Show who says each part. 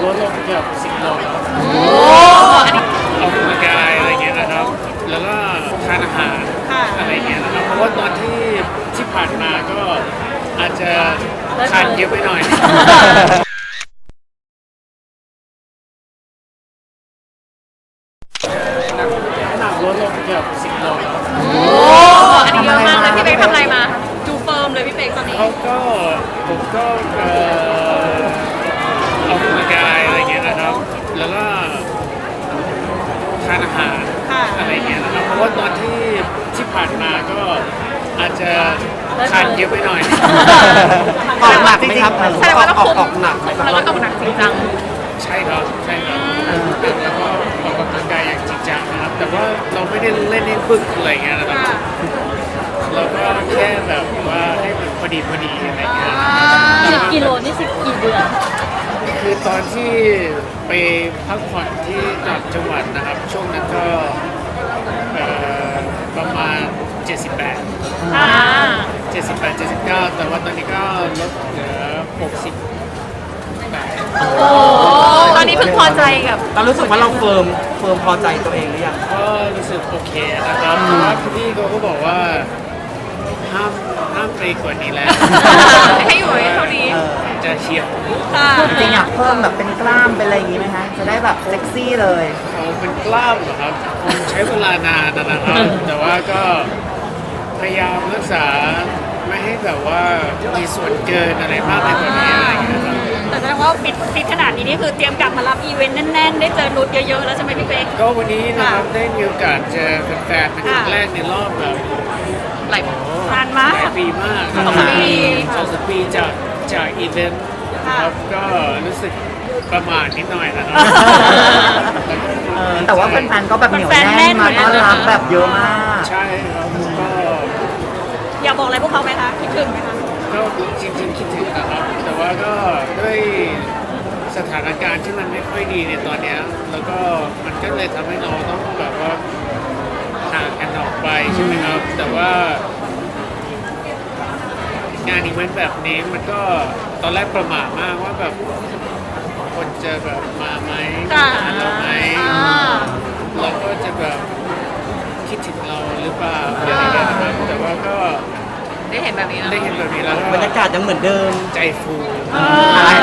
Speaker 1: ลดลงเกือบ10 โลครับ
Speaker 2: โอ้อันนี้
Speaker 1: ออกกำลังกายอะไรเงี้ยนะครับ แล้วก็ทานอาหารอะไรเงี้ยนะครับ เพราะว่าตอนที่ผ่านมาก็อาจจะทานเยอะไปหน่อยน้ำหนักลดลงเกือบ10 โลครับ
Speaker 2: โอ้อันนี้เยอะมากเลยพี่เป๊กทำอะไรมาดูเฟิร์มเลยพี่เป๊กตอนนี้
Speaker 1: ผมก็ออกกำลังกายอะไรเงี้ยนะครับ แล้วก็ทานอาหารอะไรเงี้ยนะครับ เพราะว่าตอนที่ผ่านมาก็อาจจะทานเยอะไปหน่อย
Speaker 3: ออกหนักไหมครับ
Speaker 2: แสดงว่าเรา
Speaker 3: ออกหนักไหมครับ
Speaker 2: แล้วก็ออกหนักจริงจัง
Speaker 1: ใช่ครับแล้วก็ออกกำลังกายอย่างจริงจังนะครับ แต่ว่าเราไม่ได้เล่นให้บึกอะไรเงี้ยนะครับ เราก็แค่แบบว่าให้มันพอดีอะไรเงี้ย
Speaker 4: 10 กิโลนี่10 กี่เดือน
Speaker 1: คือตอนที่ไปพักผ่อนที่ต่างจังหวัดนะครับ ช่วงนั้นก็ประมาณ 78
Speaker 2: อ่า
Speaker 1: 79 แต่ว่าตอนนี้ก็ลดเหลือ 60
Speaker 2: โอ้ตอนนี้เพิ่งพอใจกับ
Speaker 3: เรารู้สึกว่าเราเฟิร์มพอใจตัวเองหรือยัง
Speaker 1: ก็รู้สึกโอเคนะครับแต่ว่าพี่เขาก็บอกว่าห้ามไปกว่านี้แล้ว
Speaker 2: ให้อยู่เท่านี้
Speaker 1: จะเฉียบ
Speaker 2: ค่ะ
Speaker 5: จริงๆอยากเพิ่มแบบเป็นกล้ามเป็นอะไรอย่างงี้ไหมคะ จะได้แบบเซ็กซี่เลย
Speaker 1: เขาเป็นกล้ามเหรอครับคงใช้เวลานานนะครับ แต่ว่าก็พยายามรักษาไม่ให้แบบว่ามีส่วนเกินอะไรมากไปกว่านี้อะไรอย่างเงี้ยครับ
Speaker 2: แต่แสดงว่าฟิตขนาดนี้นี่คือเตรียมกลับมารับอีเวนต์แน่นๆ ได้เจอนุชเยอะๆ แล้วใช่ไหมพี่เป๊ก
Speaker 1: ก็วันนี้นะครับได้มีโอกาสเจอแฟนๆเป็นครั้งแรกในรอบแบบ
Speaker 2: หลายนานมาก
Speaker 1: หลายปีมาก 2-3 ปีจากอีเวนต์นะครับก็รู้สึกประมาทนิดหน่อยนะครับ
Speaker 5: แต่ว่าแฟนๆก็แบบเหนียวแน่นมาต้อนรับแบบเยอะมาก
Speaker 1: ใช่ครับก็
Speaker 2: อยากบอกอะไรพวกเขาไหมคะ คิดถึงไหมคะ
Speaker 1: ก็จริงๆคิดถึงนะครับ แต่ว่าก็ด้วยสถานการณ์ที่มันไม่ค่อยดีในตอนเนี้ยแล้วก็มันก็เลยทำให้เราต้องแบบว่าห่างกันออกไปใช่ไหมครับ แต่ว่างานอีเวนต์แบบนี้มันก็ตอนแรกประหม่ามากว่าแบบคนจะแบบมาไหม
Speaker 2: ค่ะ
Speaker 1: หาเราไหม
Speaker 2: อ่า
Speaker 1: เราก็จะแบบคิดถึงเราหรือเปล่าอะไรอย่างเงี้ยนะครับแต่ว่าก็
Speaker 2: ได้เห็นแบบนี้แล้ว
Speaker 1: ได้เห็นแบบนี้แล้ว
Speaker 3: บรรยากาศยังเหมือนเดิม
Speaker 1: ใจฟู